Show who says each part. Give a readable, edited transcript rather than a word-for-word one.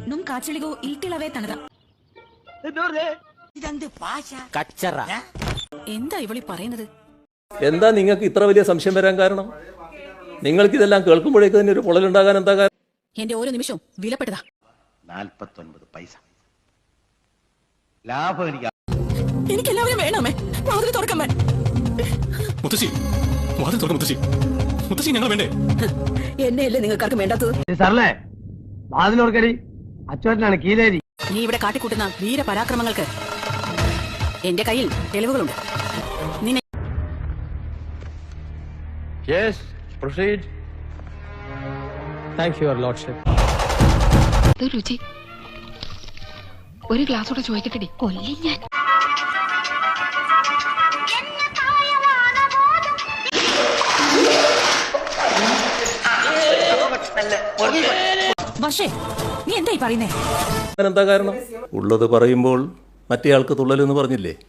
Speaker 1: ನುಮ್ ಕಾಚಳಿಗೂ ಈಟಿಳವೇ ತನದ എന്താ ഇവളി പറയുന്നത്?
Speaker 2: എന്താ നിങ്ങൾക്ക് ഇത്ര വലിയ സംശയം വരാൻ കാരണം? നിങ്ങൾക്ക് ഇതെല്ലാം കേൾക്കുമ്പോഴേക്ക് തന്നെ ഒരു പൊള്ളലുണ്ടാകാൻ എന്താ കാരണം?
Speaker 1: എന്റെ ഓരോ നിമിഷവും വിലപ്പെട്ടതാ.
Speaker 3: 49 പൈസ ലാഭം
Speaker 1: എനിക്ക് എല്ലാവരും വേണമേ. വാതിൽ തുറക്കമ്മേ.
Speaker 4: മുത്തശ്ശി വാതിൽ തുറക്ക് മുത്തശ്ശി. മുത്തശ്ശി ഞങ്ങൾ വേണ്ടേ?
Speaker 1: എന്നെയല്ലേ നിങ്ങൾക്കാർക്കും വേണ്ടാത്തത്?
Speaker 5: സാറല്ലേ വാതിലോർക്കടി, അച്ചോട്ടനാണ് കീലേരി.
Speaker 1: നീ ഇവിടെ കാട്ടിക്കൂട്ടുന്ന വീരപരാക്രമങ്ങൾക്ക് എന്റെ കയ്യിൽ തെളിവുകളുണ്ട്. നിന്നെ
Speaker 5: Yes, proceed. Thank you, your lordship.
Speaker 6: രുചി ഒരു ഗ്ലാസ് കൂടെ ചോദിക്കട്ടെ, കൊല്ലി ഞാൻ.
Speaker 1: പക്ഷേ നീ എന്തായി പറയുന്നേ?
Speaker 2: എന്താ കാരണം? ഉള്ളത് പറയുമ്പോൾ മറ്റേ ആൾക്ക് തുള്ളലെന്ന് പറഞ്ഞില്ലേ?